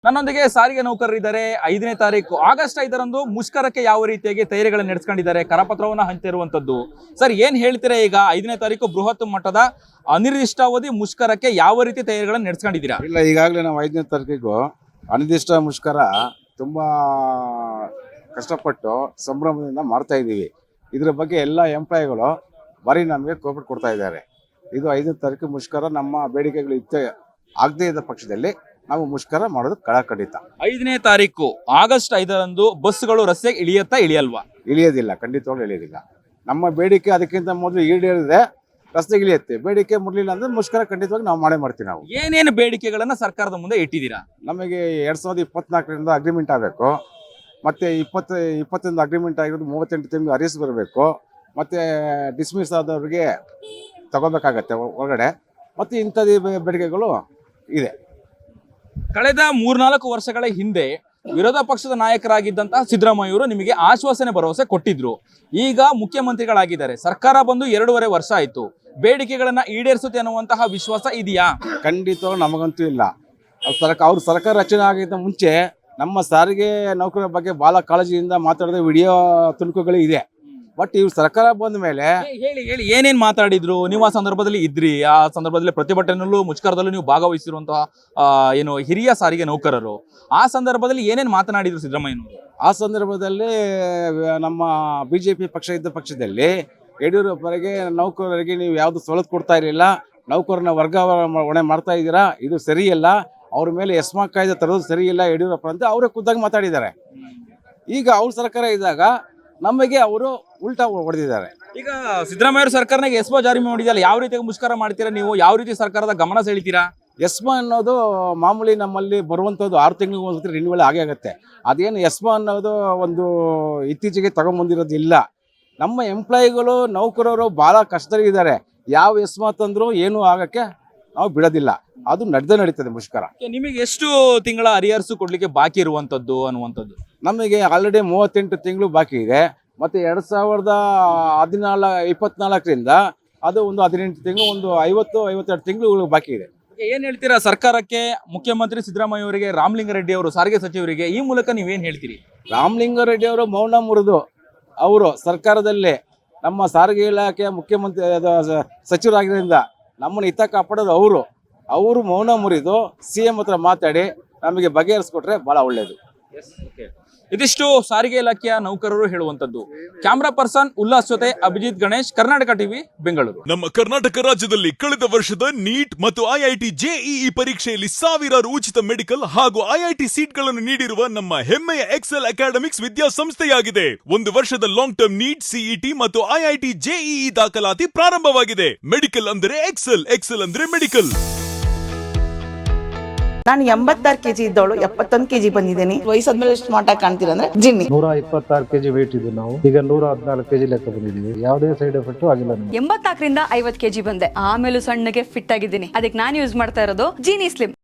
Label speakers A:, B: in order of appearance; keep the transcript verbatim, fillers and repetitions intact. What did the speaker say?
A: ನನ್ನೊಂದಿಗೆ ಸಾರಿಗೆ ನೌಕರರಿದ್ದಾರೆ. ಐದನೇ ತಾರೀಕು ಆಗಸ್ಟ್ ಐದರಂದು ಮುಷ್ಕರಕ್ಕೆ ಯಾವ ರೀತಿಯಾಗಿ ತಯಾರಿಗಳನ್ನು ನಡೆಸ್ಕೊಂಡಿದ್ದಾರೆ, ಕರಪತ್ರವನ್ನು ಹಂಚಿರುವಂತದ್ದು. ಸರ್, ಏನ್ ಹೇಳ್ತೀರಾ? ಈಗ ಐದನೇ ತಾರೀಕು ಬೃಹತ್ ಮಟ್ಟದ ಅನಿರ್ದಿಷ್ಟಾವಧಿ ಮುಷ್ಕರಕ್ಕೆ ಯಾವ ರೀತಿ ತಯಾರಿಗಳನ್ನು ನಡೆಸ್ಕೊಂಡಿದ್ದೀರಾ?
B: ಇಲ್ಲ, ಈಗಾಗಲೇ ನಾವು ಐದನೇ ತಾರೀಕಿಗೂ ಅನಿರ್ದಿಷ್ಟ ಮುಷ್ಕರ ತುಂಬಾ ಕಷ್ಟಪಟ್ಟು ಸಂಭ್ರಮದಿಂದ ಮಾಡ್ತಾ ಇದ್ದೀವಿ. ಇದ್ರ ಬಗ್ಗೆ ಎಲ್ಲ ಎಂಪ್ಲಾಯಿಗಳು ಬರೀ ನಮಗೆ ಕೋಪಟ್ ಕೊಡ್ತಾ ಇದ್ದಾರೆ. ಇದು ಐದನೇ ತಾರೀಕು ಮುಷ್ಕರ ನಮ್ಮ ಬೇಡಿಕೆಗಳು ಇತ್ತ ಆಗದೇ ಇದ್ದ ಪಕ್ಷದಲ್ಲಿ ನಾವು ಮುಷ್ಕರ ಮಾಡೋದು ಕಳಕಡಿತ.
A: ಐದನೇ ತಾರೀಕು ಆಗಸ್ಟ್ ಐದರಂದು ಬಸ್ಗಳು ರಸ್ತೆಗೆ ಇಳಿಯತ್ತಾ ಇಳಿಯಲ್ವಾ?
B: ಇಳಿಯೋದಿಲ್ಲ, ಖಂಡಿತವಾಗ್ಲೂ ಇಳಿಯೋದಿಲ್ಲ. ನಮ್ಮ ಬೇಡಿಕೆ ಅದಕ್ಕಿಂತ ಮೊದಲು ಈಡೇರಿದ್ರೆ ರಸ್ತೆಗೆ ಇಳಿಯುತ್ತೆ. ಬೇಡಿಕೆ ಮುರಲಿಲ್ಲ ಅಂದ್ರೆ ಮುಷ್ಕರ ಖಂಡಿತವಾಗಿ ನಾವು ಮಾಡೇ ಮಾಡ್ತೀವಿ. ನಾವು
A: ಏನೇನು ಬೇಡಿಕೆಗಳನ್ನ ಸರ್ಕಾರದ ಮುಂದೆ ಇಟ್ಟಿದ್ದೀರಾ?
B: ನಮಗೆ ಎರಡ್ ಸಾವಿರದ ಇಪ್ಪತ್ನಾಲ್ಕರಿಂದ ಅಗ್ರಿಮೆಂಟ್ ಆಗಬೇಕು, ಮತ್ತೆ ಇಪ್ಪತ್ತು ಇಪ್ಪತ್ತೊಂದು ಅಗ್ರಿಮೆಂಟ್ ಆಗಿರೋದು ಮೂವತ್ತೆಂಟು ತಿಂಗಳು ಅರಿಸ್ ಬರಬೇಕು, ಮತ್ತೆ ಡಿಸ್ಮಿಸ್ ಆದವ್ರಿಗೆ ತಗೋಬೇಕಾಗತ್ತೆ ಹೊರಗಡೆ, ಮತ್ತೆ ಇಂಥದ್ದು ಬೇಡಿಕೆಗಳು ಇದೆ.
A: ಕಳೆದ ಮೂರ್ನಾಲ್ಕು ವರ್ಷಗಳ ಹಿಂದೆ ವಿರೋಧ ಪಕ್ಷದ ನಾಯಕರಾಗಿದ್ದಂತಹ ಸಿದ್ದರಾಮಯ್ಯವರು ನಿಮಗೆ ಆಶ್ವಾಸನೆ ಭರವಸೆ ಕೊಟ್ಟಿದ್ರು. ಈಗ ಮುಖ್ಯಮಂತ್ರಿಗಳಾಗಿದ್ದಾರೆ, ಸರ್ಕಾರ ಬಂದು ಎರಡೂವರೆ ವರ್ಷ ಆಯ್ತು. ಬೇಡಿಕೆಗಳನ್ನ ಈಡೇರಿಸುತ್ತೆ ಅನ್ನುವಂತಹ ವಿಶ್ವಾಸ ಇದೆಯಾ?
B: ಖಂಡಿತವಾಗ್ಲೂ ನಮಗಂತೂ ಇಲ್ಲ. ಸರ್ಕಾರ ಅವ್ರ ಸರ್ಕಾರ ರಚನೆ ಆಗಿದ್ದ ಮುಂಚೆ ನಮ್ಮ ಸಾರಿಗೆ ನೌಕರರ ಬಗ್ಗೆ ಬಹಳ ಕಾಳಜಿಯಿಂದ ಮಾತಾಡಿದ ವಿಡಿಯೋ ತುಣುಕುಗಳು ಇದೆ. ಬಟ್ ಇವ್ರು ಸರ್ಕಾರ ಬಂದ ಮೇಲೆ
A: ಹೇಳಿ ಹೇಳಿ ಏನೇನ್ ಮಾತಾಡಿದ್ರು? ನೀವು ಆ ಸಂದರ್ಭದಲ್ಲಿ ಇದ್ರಿ, ಆ ಸಂದರ್ಭದಲ್ಲಿ ಪ್ರತಿಭಟನೆಯಲ್ಲೂ ಮುಷ್ಕರದಲ್ಲೂ ನೀವು ಭಾಗವಹಿಸಿರುವಂತಹ ಏನು ಹಿರಿಯ ಸಾರಿಗೆ ನೌಕರರು, ಆ ಸಂದರ್ಭದಲ್ಲಿ ಏನೇನ್ ಮಾತನಾಡಿದ್ರು ಸಿದ್ದರಾಮಯ್ಯನವರು?
B: ಆ ಸಂದರ್ಭದಲ್ಲಿ ನಮ್ಮ ಬಿಜೆಪಿ ಪಕ್ಷ ಇದ್ದ ಪಕ್ಷದಲ್ಲಿ ಯಡಿಯೂರಪ್ಪರಿಗೆ ನೌಕರರಿಗೆ ನೀವು ಯಾವ್ದು ಸವಲತ್ತು ಕೊಡ್ತಾ ಇರಲಿಲ್ಲ, ನೌಕರನ ವರ್ಗಾವಣೆ ಮಾಡ್ತಾ ಇದ್ದೀರಾ, ಇದು ಸರಿಯಲ್ಲ, ಅವ್ರ ಮೇಲೆ ಎಸ್ಮಾ ಕಾಯ್ದೆ ತರೋದು ಸರಿಯಿಲ್ಲ ಯಡಿಯೂರಪ್ಪ ಅಂತ ಅವರೇ ಖುದ್ದಾಗಿ ಮಾತಾಡಿದ್ದಾರೆ. ಈಗ ಅವ್ರ ಸರ್ಕಾರ ಇದ್ದಾಗ ನಮಗೆ ಅವರು ಉಲ್ಟಾ ಹೊಡೆದಿದ್ದಾರೆ.
A: ಈಗ ಸಿದ್ದರಾಮಯ್ಯ ಸರ್ಕಾರನಾಗ ಎಸ್ಮಾ ಜಾರಿ ಮಾಡಿದಲ್ಲ, ಯಾವ ರೀತಿ ಮುಷ್ಕರ ಮಾಡ್ತೀರಾ ನೀವು? ಯಾವ ರೀತಿ ಸರ್ಕಾರದ ಗಮನ ಸೆಳಿತೀರಾ?
B: ಎಸ್ಮಾ ಅನ್ನೋದು ಮಾಮೂಲಿ ನಮ್ಮಲ್ಲಿ ಬರುವಂಥದ್ದು ಆರು ತಿಂಗಳಿಗೆ ಒಂದ್ಸತಿ ರಿನ್ಯೂವಲ್ ಆಗೇ ಆಗುತ್ತೆ. ಅದೇನು ಎಸ್ಮಾ ಅನ್ನೋದು ಒಂದು ಇತ್ತೀಚೆಗೆ ತಗೊಂಬಂದಿರೋದು ಇಲ್ಲ. ನಮ್ಮ ಎಂಪ್ಲಾಯಿಗಳು ನೌಕರರು ಭಾಳ ಕಷ್ಟದಲ್ಲಿದ್ದಾರೆ. ಯಾವ ಎಸ್ಮಾ ತಂದರೂ ಏನೂ ಆಗಕ್ಕೆ ನಾವು ಬಿಡೋದಿಲ್ಲ. ಅದು ನಡೆದೇ ನಡೀತದೆ ಮುಷ್ಕರ.
A: ನಿಮಗೆ ಎಷ್ಟು ತಿಂಗಳ ಅರಿಯರ್ಸು ಕೊಡ್ಲಿಕ್ಕೆ ಬಾಕಿ ಇರುವಂತದ್ದು ಅನ್ನುವಂಥದ್ದು?
B: ನಮಗೆ ಆಲ್ರೆಡಿ ಮೂವತ್ತೆಂಟು ತಿಂಗಳು ಬಾಕಿ ಇದೆ. ಮತ್ತೆ ಎರಡ್ ಸಾವಿರದ ಹದಿನಾಲ್ಕು ಇಪ್ಪತ್ನಾಲ್ಕರಿಂದ ಅದು ಒಂದು ಹದಿನೆಂಟು ತಿಂಗಳು, ಒಂದು ಐವತ್ತು ಐವತ್ತೆರಡು ತಿಂಗಳು ಬಾಕಿ ಇದೆ.
A: ಏನ್ ಹೇಳ್ತೀರಾ ಸರ್ಕಾರಕ್ಕೆ, ಮುಖ್ಯಮಂತ್ರಿ ಸಿದ್ದರಾಮಯ್ಯ ಅವರಿಗೆ, ರಾಮಲಿಂಗಾರೆಡ್ಡಿ ಅವರು ಸಾರಿಗೆ ಸಚಿವರಿಗೆ ಈ ಮೂಲಕ ನೀವೇನ್ ಹೇಳ್ತೀರಿ?
B: ರಾಮಲಿಂಗಾರೆಡ್ಡಿ ಅವರು ಮೌನ ಮುರಿದು ಅವರು ಸರ್ಕಾರದಲ್ಲಿ ನಮ್ಮ ಸಾರಿಗೆ ಇಲಾಖೆಯ ಮುಖ್ಯಮಂತ್ರಿ ಸಚಿವರಾಗಿದ್ದರಿಂದ ನಮ್ಮನ್ನು ಹಿತ ಕಾಪಾಡೋದು ಅವರು ಅವರು ಮೌನ ಮುರಿದು ಸಿ ಎಂ ಹತ್ರ ಮಾತಾಡಿ ನಮಗೆ ಬಗೆಹರಿಸ್ಕೊಟ್ರೆ ಬಹಳ ಒಳ್ಳೇದು.
A: ಇದಿಷ್ಟು ಸಾರಿಗೆ ಇಲಾಖೆಯ ನೌಕರರು ಹೇಳುವಂತದ್ದು. ಕ್ಯಾಮ್ರಾ ಪರ್ಸನ್ ಉಲ್ಲಾಸ್ ಜೊತೆ ಅಭಿಜಿತ್ ಗಣೇಶ್, ಕರ್ನಾಟಕ ಟಿವಿ, ಬೆಂಗಳೂರು.
C: ನಮ್ಮ ಕರ್ನಾಟಕ ರಾಜ್ಯದಲ್ಲಿ ಕಳೆದ ವರ್ಷದ ನೀಟ್ ಮತ್ತು ಐಐಟಿ ಜೆಇಇ ಪರೀಕ್ಷೆಯಲ್ಲಿ ಸಾವಿರಾರು ಉಚಿತ ಮೆಡಿಕಲ್ ಹಾಗೂ ಐಐಟಿ ಸೀಟ್ಗಳನ್ನು ನೀಡಿರುವ ನಮ್ಮ ಹೆಮ್ಮೆಯ ಎಕ್ಸೆಲ್ ಅಕಾಡೆಮಿಕ್ಸ್ ವಿದ್ಯಾಸಂಸ್ಥೆಯಾಗಿದೆ. ಒಂದು ವರ್ಷದ ಲಾಂಗ್ ಟರ್ಮ್ ನೀಟ್, ಸಿಇಟಿ ಮತ್ತು ಐಐಟಿ ಜೆಇಇ ದಾಖಲಾತಿ ಪ್ರಾರಂಭವಾಗಿದೆ. ಮೆಡಿಕಲ್ ಅಂದ್ರೆ ಎಕ್ಸೆಲ್, ಎಕ್ಸೆಲ್ ಅಂದ್ರೆ ಮೆಡಿಕಲ್.
D: ನಾನು ಎಂಬತ್ತಾರು ಕೆಜಿ ಇದ್ದವಳು ಎಪ್ಪತ್ತೊಂದು ಕೆಜಿ ಬಂದಿದ್ದೀನಿ. ವಯಸ್ಸಾದ್ಮೇಲೆ ಸ್ಮಾರ್ಟ್ ಆಗಿ ಕಾಣ್ತೀರಾ ಅಂದ್ರೆ ಜಿನ್ನಿ.
E: ನೂರ ಇಪ್ಪತ್ತಾರು ಕೆಜಿ ವೇಟ್ ಇದ್ದು ನಾವು ಈಗ ನೂರ ಹದಿನಾಲ್ಕು ಕೆಜಿ ಲೆಕ್ಕ ಬಂದಿದ್ದೀವಿ. ಯಾವುದೇ ಸೈಡ್ ಎಫೆಕ್ಟ್ ಆಗಿಲ್ಲ.
F: ಎಂಬತ್ತಾರರಿಂದ ಐವತ್ತು ಕೆಜಿ ಬಂದೆ, ಆಮೇಲೆ ಸಣ್ಣಗೆ ಫಿಟ್ ಆಗಿದ್ದೀನಿ. ಅದಕ್ಕೆ ನಾನು ಯೂಸ್ ಮಾಡ್ತಾ ಇರೋದು ಜೀನಿ ಸ್ಲಿಮ್.